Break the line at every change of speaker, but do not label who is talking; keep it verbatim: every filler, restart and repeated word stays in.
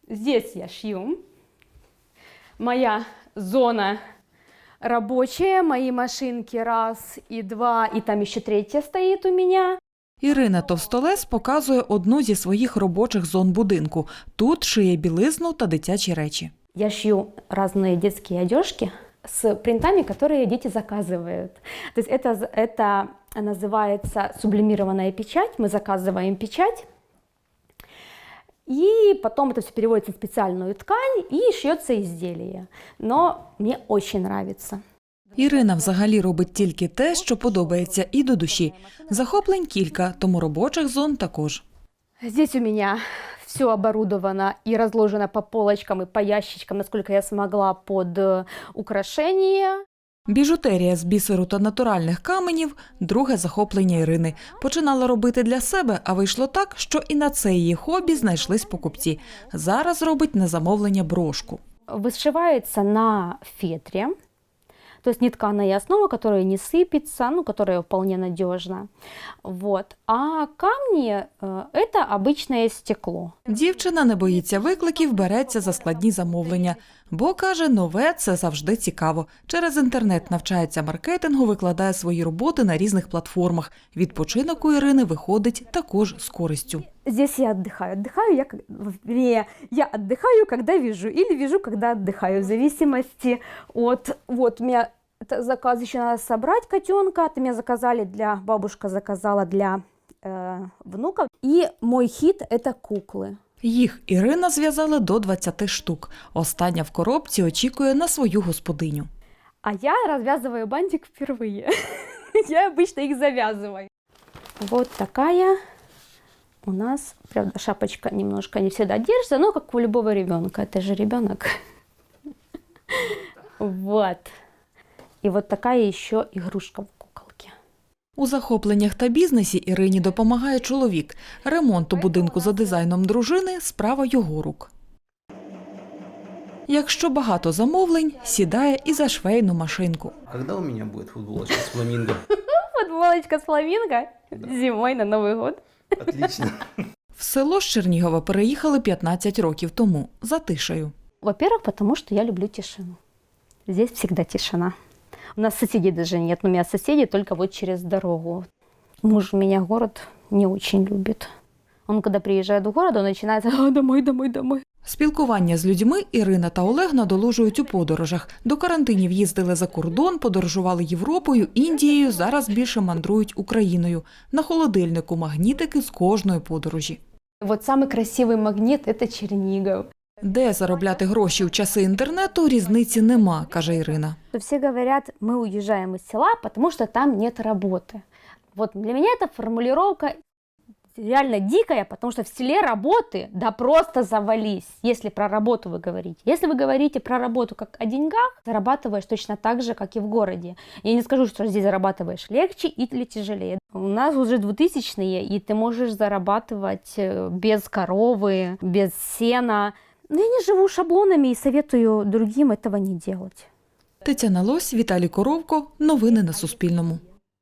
Здесь я шью. Моя зона рабочая, мои машинки раз и два, и там еще третья стоит у меня.
Ірина Товстолес показує одну зі своїх робочих зон будинку. Тут шиє білизну та дитячі речі.
Я шью разные детские одежки с принтами, которые дети заказывают. То есть это, это называется сублимированная печать. Мы заказываем печать, и потом это все переводится в специальную ткань и шьется изделие. Но мне очень нравится.
Ірина взагалі робить тільки те, що подобається і до душі. Захоплень кілька, тому робочих зон також.
Здесь у меня все оборудовано и разложено по полочкам и по ящичкам, насколько я смогла, под украшения.
Біжутерія з бісеру та натуральних каменів – друге захоплення Ірини. Починала робити для себе, а вийшло так, що і на це її хобі знайшлись покупці. Зараз робить на замовлення брошку.
Вышивается на фетре, то есть нетканая основа, которая не сыпется, ну, которая вполне надежна. Вот. А камни э, – это обычное стекло.
Дівчина не боїться викликів, береться за складні замовлення. Бо, каже, нове – це завжди цікаво. Через інтернет навчається маркетингу, викладає свої роботи на різних платформах. Відпочинок у Ірини виходить також з користю.
Здесь я отдыхаю. Отдыхаю я, вернее, я отдыхаю, когда вяжу, или вяжу, когда отдыхаю, в зависимости от... Вот, у меня заказ еще надо собрать котенка, это меня заказали для... Бабушка заказала для э, внуков. И мой хит – это куклы.
Їх Ірина зв'язала до двадцяти штук. Остання в коробці очікує на свою господиню.
А я развязываю бантик впервые. Я обычно их завязываю. Вот такая у нас, правда, шапочка немножко не всегда держится, но как у любого ребенка. Это же ребенок. Вот. И вот такая еще игрушка в куколке.
У захопленнях та бізнесі Ірині допомагає чоловік. Ремонт у будинку за дизайном дружини – справа його рук. Якщо багато замовлень, сідає і за швейну машинку.
Когда у меня будет футболочка с фламинго?
Футболочка с фламинго зимой на Новый год.
Отлично.
В село з Чернігова переїхали п'ятнадцять років тому, за тишею.
Во-первых, потому что я люблю тишину. Здесь всегда тишина. У нас соседей даже нет, но у меня соседи только вот через дорогу. Муж меня город не очень любит. Он, когда приезжает в город, он начинает «А, домой, домой, домой».
Спілкування з людьми Ірина та Олег надолужують у подорожах. До карантинів їздили за кордон, подорожували Європою, Індією, зараз більше мандрують Україною. На холодильнику магнітики з кожної подорожі.
Вот самый красивый магнит – это Чернигов.
Де заробляти гроші у часи інтернету, різниці нема, каже Ірина.
Все говорят, мы уезжаем из села, потому что там нет работы. Вот для меня эта формулировка реально дикая, потому что в селе работы, да просто завались, если про работу вы говорите. Если вы говорите про работу как о деньгах, зарабатываешь точно так же, как и в городе. Я не скажу, что здесь зарабатываешь легче или тяжелее. У нас уже двухтысячные, и ты можешь зарабатывать без коровы, без сена. Но я не живу шаблонами и советую другим этого не делать.
Тетяна Лось, Віталій Коровко. Новини на Суспільному.